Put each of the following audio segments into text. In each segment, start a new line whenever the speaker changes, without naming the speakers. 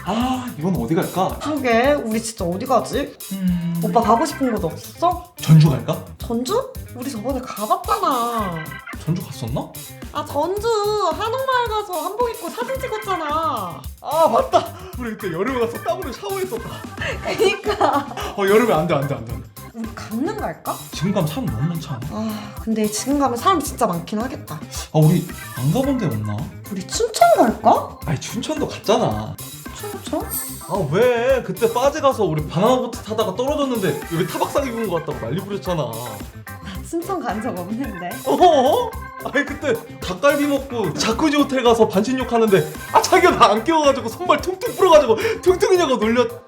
아, 이번 어디 갈까?
그러게, 우리 진짜 어디 가지? 오빠 가고 싶은 곳 없어?
전주 갈까?
전주? 우리 저번에 가봤잖아.
전주 갔었나?
아, 전주 한옥마을 가서 한복 입고 사진 찍었잖아.
아, 맞다. 우리 그때 여름에 가서 땀으로 샤워했었다.
그니까.
여름에 안 돼.
우리 강릉 갈까?
지금 가면 사람 너무 많지 않아?
아, 근데 지금 가면 사람 진짜 많긴 하겠다.
아, 우리 안 가본 데 없나?
우리 춘천 갈까?
아니, 춘천도 갔잖아.
춘천?
아, 왜? 그때 빠지 가서 우리 바나나보트 타다가 떨어졌는데 여기 타박상 입은 거 같다고 난리 부렸잖아.
나 춘천 간 적 없는데.
어허? 아니, 그때 닭갈비 먹고 자쿠지 호텔 가서 반신욕 하는데 자기가 나 안 깨워가지고 손발 퉁퉁 불어가지고 퉁퉁이냐고 놀렸잖아.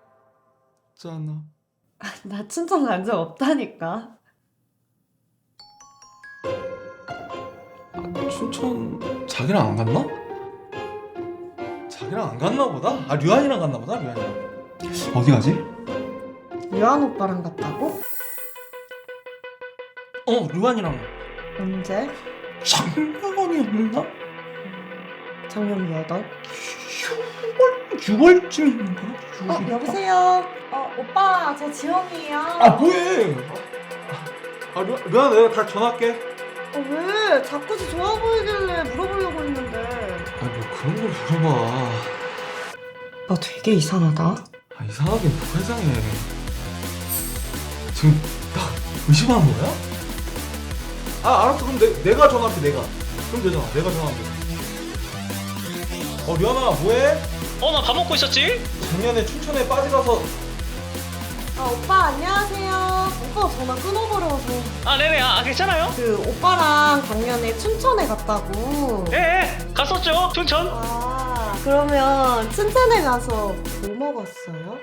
나 춘천 간 적 없다니까.
춘천 자기랑 안 갔나? 자기랑 안 갔나 보다? 아, 류한이랑 갔나 보다. 류한이랑 어디 가지?
유한 오빠랑 갔다고?
류한이랑
언제?
작년이었나?
작년 몇 월?
6월쯤인가?
여보세요? 오빠, 저 지영이에요.
뭐해? 류한, 내가 다 전화할게.
왜? 자꾸지 좋아 보이길래 물어보려고 했는데.
뭐 그런 걸 물어봐.
너 되게 이상하다.
이상하긴 뭐가 이상해. 지금 나 의심하는 거야? 알았어. 그럼 내가 전화할게. 그럼 되잖아. 내가 전화하면 돼. 류한아, 뭐해?
나 밥 먹고 있었지?
작년에 춘천에 빠지가서.
오빠 안녕하세요. 오빠 전화 끊어버려서.
네네. 괜찮아요?
그 오빠랑 작년에 춘천에 갔다고.
예, 갔었죠, 춘천.
그러면 춘천에 가서 뭐 먹었어요?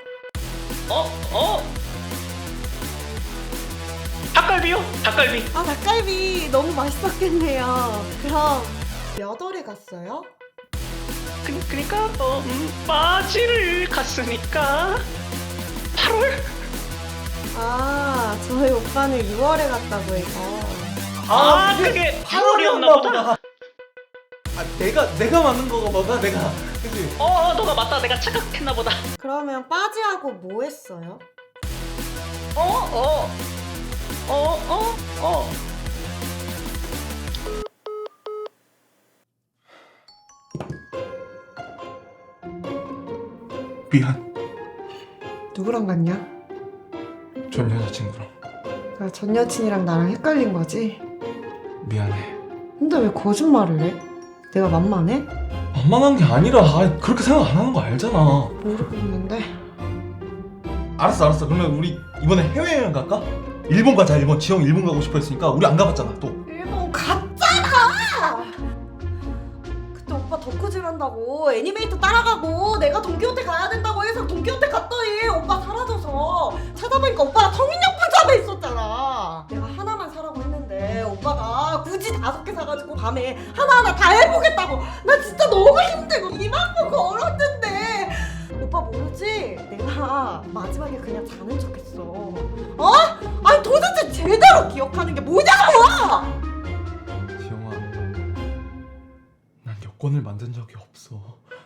닭갈비요? 닭갈비.
닭갈비 너무 맛있었겠네요. 그럼 몇 월에 갔어요?
그니까, 빠지를 갔으니까 8월?
저희 오빠는 6월에 갔다고 해서.
그게 8월이었나 보다.
내가 맞는 거가 뭐가 내가. 그치?
너가 맞다. 내가 착각했나 보다.
그러면 빠지하고 뭐 했어요?
미안.
누구랑 갔냐?
전 여자친구랑.
전 여친이랑 나랑 헷갈린 거지?
미안해.
근데 왜 거짓말을 해? 내가 만만해?
만만한 게 아니라 그렇게 생각 안 하는 거 알잖아.
모르겠는데.
알았어. 그러면 우리 이번에 해외여행 갈까? 일본 가자. 지영 일본 가고 싶어 했으니까 우리 안 가봤잖아 또.
일본 갔잖아! 그때 오빠 덕후질 한다고 애니메이터 따라가고 내가 돈키호테 가야 된다고 해서 돈키호테 갔더니 오빠 사라져서 찾아보니까 오빠가 성인용품점에 있었잖아. 내가 하나만 사라고 했는데 오빠가 굳이 5개 사가지고 밤에 하나하나 다 해보겠다고. 나 진짜 너무 힘들고 2만 보 걸었는데. 오빠 모르지? 내가 마지막에 그냥 자는 척했어. 아니 도대체 제대로 기억하는 게 뭐냐고!
지영아, 난 여권을 만든 적이 없어.